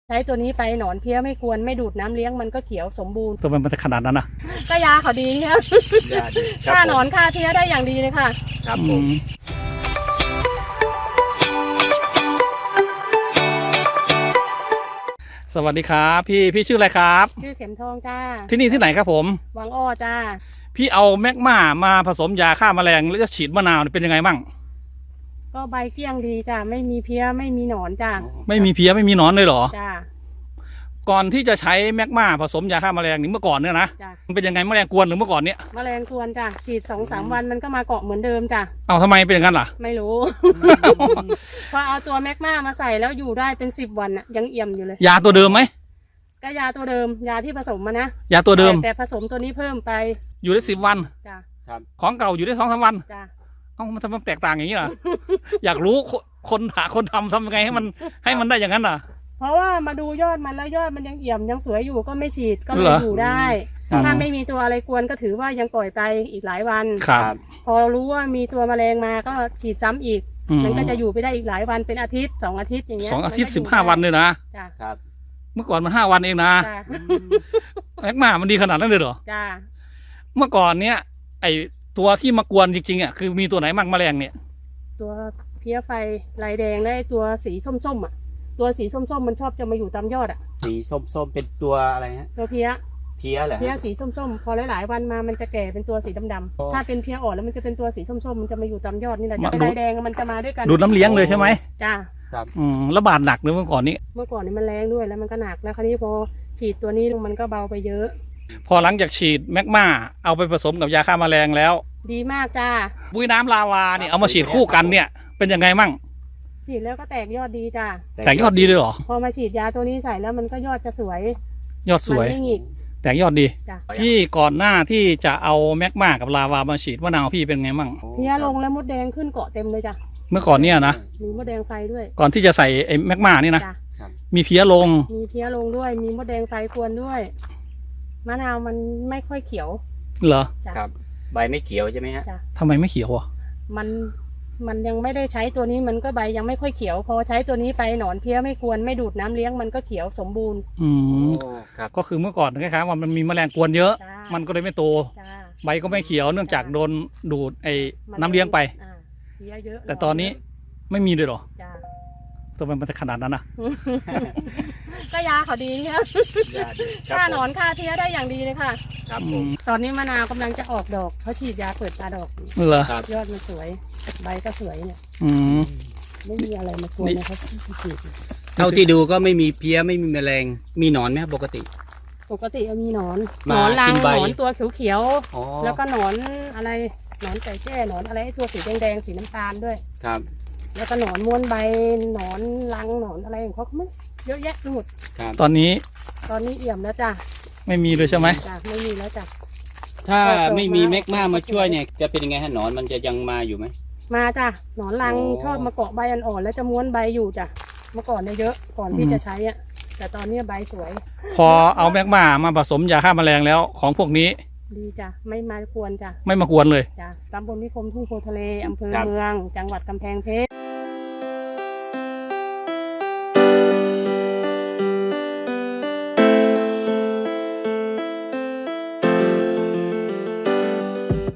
ใช้ตัวนี้ไปหนอนเพี้ยไม่กวนไม่ดูดน้ำเลี้ยงมันก็เขียวสมบูรณ์ทำไมมันจะขนาดนั้นนะก็ยาเขาดีครับ ฆ่าหนอนฆ่าเพี้ยได้อย่างดีเลยค่ะครับผมสวัสดีครับพี่ชื่ออะไรครับชื่อเข็มทองจ้าที่นี่ที่ไหนครับผมวังอ้อจ้าพี่เอาแมกมามาผสมยาฆ่าแมลงแล้วจะฉีดมะนาวเป็นยังไงบ้างก็ใบเกลี้ยงดีจ้าไม่มีเพี้ยไม่มีหนอนจ้าไม่มีเพี้ยไม่มีหนอนเลยเหรอจ้าก่อนที่จะใช้แมกมาผสมยาฆ่าแมลงนี่เมื่อก่อนเนี่ยนะมันเป็นยังไงแมลงกวนหรือเมื่อก่อนเนี้ยแมลงกวนจ้าฉีด2-3 วันมันก็มาเกาะเหมือนเดิมจ้าเอาทำไมเป็นอย่างนั้นล่ะไม่รู้ พอเอาตัวแมกมามาใส่แล้วอยู่ได้เป็น10 วันอะยังเอี่ยมอยู่เลยยาตัวเดิมไหมก็ยาตัวเดิมยาที่ผสมมานะยาตัวเดิมแต่ผสมตัวนี้เพิ่มไปอยู่ได้10 วันจ้าของเก่าอยู่ได้2-3 วันจ้ามันทำไมแตกต่างอย่างนี้ล่ะ อยากรู้คนทำยังไงให้มันได้อย่างนั้นล่ะเพราะว่ามาดูยอดมันแล้วยอดมันยังเอี่ยมยังสวยอยู่ก็ไม่ฉีดก็เลยอยู่ได้ถ้าไม่มีตัวอะไรกวนก็ถือว่ายังปล่อยไปอีกหลายวันครับพอรู้ว่ามีตัวแมลงมาก็ฉีดซ้ำอีกมันก็จะอยู่ไปได้อีกหลายวันเป็นอาทิตย์2 อาทิตย์อย่างเงี้ย 2 อาทิตย์15 วันเลยนะครับเมื่อก่อนมัน5 วันเองนะแมกมามันดีขนาดนั้นเลยเหรอจ้าเมื่อก่อนเนี้ยไอตัวที่มากวนจริงๆอ่ะคือมีตัวไหนมั่งแมลงเนี่ยตัวเพี้ยไฟลายแดงและตัวสีส้มๆอ่ะตัวสีส้มๆมันชอบจะมาอยู่ตามยอดอ่ะสีส้มๆเป็นตัวอะไรฮะตัวเพี้ยเหรอเพี้ยสีส้มๆพอหลายๆวันมามันจะแก่เป็นตัวสีดำๆถ้าเป็นเพี้ยอ่อนแล้วมันจะเป็นตัวสีส้มๆมันจะมาอยู่ตามยอดนี่แหละจะลายแดงมันจะมาด้วยกันดูดน้ำเลี้ยงเลยใช่ไหมจ้าระบาดหนักเลยเมื่อก่อนนี้มันแรงด้วยแล้วมันก็หนักแล้วคราวนี้พอฉีดตัวนี้มันก็เบาไปเยอะพอหลังจากฉีดแมกมาเอาไปผสมกับยาฆ่าแมลงแล้วดีมากจ้าปุ๋ยน้ำลาวาเนี่ยเอามาฉีดคู่กันเนี่ยเป็นยังไงมั่งฉีดแล้วก็แตกยอดดีจ้าแตกยอดดีเลยเหรอพอมาฉีดยาตัวนี้ใส่แล้วมันก็ยอดจะสวยยอดสวยไม่หงิกแตกยอดดีพี่ก่อนหน้าที่จะเอาแมกมากับลาวามาฉีดมะนาวพี่เป็นไงมั่งเพี้ยลงแล้วมดแดงขึ้นเกาะเต็มเลยจ้ะเมื่อก่อนเนี่ยนะมีมดแดงไฟด้วยก่อนที่จะใส่ไอ้แมกมานี่นะมีเพี้ยลงด้วยมีมดแดงไฟกวนด้วยมะนาวมันไม่ค่อยเขียวเหรอครับใบไม่เขียวใช่ไหมฮะทำไมไม่เขียวอ่ะมันยังไม่ได้ใช้ตัวนี้มันก็ใบยังไม่ค่อยเขียวพอใช้ตัวนี้ไปหนอนเพี้ยไม่กวนไม่ดูดน้ำเลี้ยงมันก็เขียวสมบูรณ์ครับก็คือเมื่อก่อนคล้ายๆว่ามันมีแมลงกวนเยอะมันก็เลยไม่โตใบก็ไม่เขียวเนื่องจากโดนดูดไอ้น้ำเลี้ยงไปแต่ตอนนี้ไม่มีเลยหรอทำไมมันจะขนาดนั้นนะก็ยาเขาดีครับฆ่าหนอนฆ่าเพี้ยได้อย่างดีเลยค่ะครับผมตอนนี้มะนาวกำลังจะออกดอกเขาฉีดยาเปิดตาดอกเหรอยอดมันสวยใบก็สวยเนี่ยไม่มีอะไรมากวนนะครับฉีดเท่าที่ดูก็ไม่มีเพี้ยไม่มีแมลงมีหนอนไหมครับปกติมีหนอนรังหนอนตัวเขียวๆแล้วก็หนอนอะไรหนอนไก่แจ้หนอนอะไรตัวสีแดงๆสีน้ำตาลด้วยครับแล้วก็หนอนม้วนใบหนอนรังหนอนอะไรของเขาไม่เยอะแยะไปหมดตอนนี้เอี่ยมแล้วจ้ะไม่มีเลยใช่ไหมจ้ะไม่มีแล้วจ้ะถ้าไม่มีแมกมามาช่วยเนี่ยจะเป็นยังไงฮะหนอนมันจะยังมาอยู่ไหมมาจ้ะหนอนรังชอบมาเกาะใบอ่อนๆแล้วจะม้วนใบอยู่จ้ะเมื่อก่อนเนี่ยเยอะก่อนที่จะใช้อ่ะแต่ตอนนี้ใบสวยพอเอาแมกมาผสมยาฆ่าแมลงแล้วของพวกนี้ดีจ้ะไม่มากวนจ้ะไม่มากวนเลยจ้ะตำบลนิคมทุ่งโพทะเลอำเภอเมืองจังหวัดกำแพงเพชร